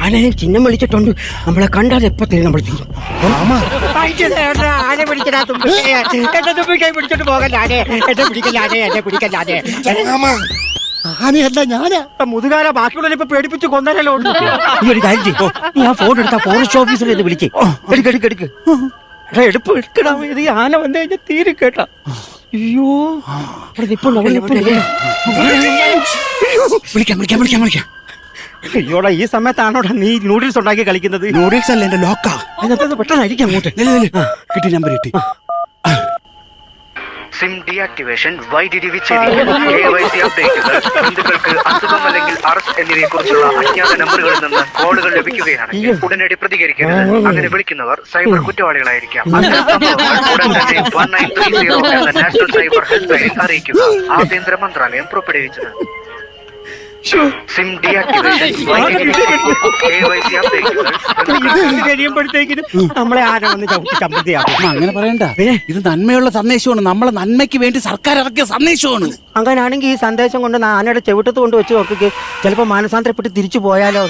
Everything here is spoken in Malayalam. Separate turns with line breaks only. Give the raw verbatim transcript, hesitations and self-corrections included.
ആനയെ ചിഹ്നം വിളിച്ചിട്ടുണ്ട്. നമ്മളെ കണ്ടാൽ എപ്പോ തരും നമ്മൾ തീരും. ആന പിടിക്കലാ തുമ്പി. എന്റെ തുമ്പി കൈ പിടിച്ചോണ്ട് പോകല്ലാതെ എന്നെ പിടിക്കല്ലാതെ എന്നെ പിടിക്കല്ലാതെ.
ആനയല്ല ഞാനാ
മുതുകാല ബാക്കിയുള്ള ഇപ്പൊ പേടിപ്പിച്ച് കൊന്നല്ലോ. ഈ ഒരു കാര്യം ചെയ്യ്. നീ ആ ഫോൺ എടുത്താ ഫോറസ്റ്റ് ഓഫീസറെ ഇത് വിളിച്ചേ. എടുക്ക് എടുക്ക് എടുക്ക്. എടാ എടുപ്പ് എടുക്കടാ. ഇത് ഈ ആന വന്നു കഴിഞ്ഞാൽ തീരെ കേട്ടാ. അയ്യോ നിപ്പുണ്ട് അവിടെ നിപ്പുണ്ട്. വിളിക്കാം വിളിക്കാം വിളിക്കാം വിളിക്കാം. അയ്യോടാ ഈ സമയത്താണോടാ നീ നൂഡിൽസ് ഉണ്ടാക്കി കളിക്കുന്നത്?
നൂഡിൽസ് അല്ല എന്റെ ലോക്കാ.
അതിനകത്ത് പെട്ടെന്നായിരിക്കും അങ്ങോട്ട്.
കിട്ടി നമ്പർ കിട്ടി.
സിം ഡീആക്ടിവേഷൻ, വൈദ്യുതി വിച്ഛേദിക്കൽ, കെ വൈ സി അപ്ഡേറ്റുകൾ, ബന്ധുക്കൾക്ക് അസുഖം അല്ലെങ്കിൽ അറസ്റ്റ് എന്നിവയെ കുറിച്ചുള്ള അജ്ഞാത നമ്പറുകളിൽ നിന്ന് കോളുകൾ ലഭിക്കുകയാണെങ്കിൽ ഉടനടി പ്രതികരിക്കരുത്. അങ്ങനെ വിളിക്കുന്നവർ സൈബർ കുറ്റവാളികളായിരിക്കാം. ഉടൻ തന്നെ വൺ നയൻ ത്രീ സീറോ എന്ന നാഷണൽ സൈബർ ഹെൽപ്പ് ലൈനിൽ അറിയിക്കുക. ആഭ്യന്തര മന്ത്രാലയം പുറപ്പെടുവിച്ചത്. സിം ഡീആക്ടിവേഷൻ, വൈദ്യുതി വിച്ഛേദിക്കൽ, കെ വൈ സി അപ്ഡേറ്റുകൾ.
കഴിയുമ്പോഴത്തേക്കിനും നമ്മളെ ആന വന്ന് ചവിട്ടി ചമ്പത്തിയാക്കും.
അങ്ങനെ പറയണ്ട, ഇത് നന്മയുള്ള സന്ദേശമാണ്. നമ്മളെ നന്മയ്ക്ക് വേണ്ടി സർക്കാർ ഇറക്കിയ സന്ദേശമാണ്.
അങ്ങനെയാണെങ്കിൽ ഈ സന്ദേശം കൊണ്ട് ആനയുടെ ചെവിട്ടത്ത് കൊണ്ട് വെച്ച് നോക്കിക്ക് ചിലപ്പോ മാനസാന്തരപ്പെട്ട് തിരിച്ചു പോയാലോ.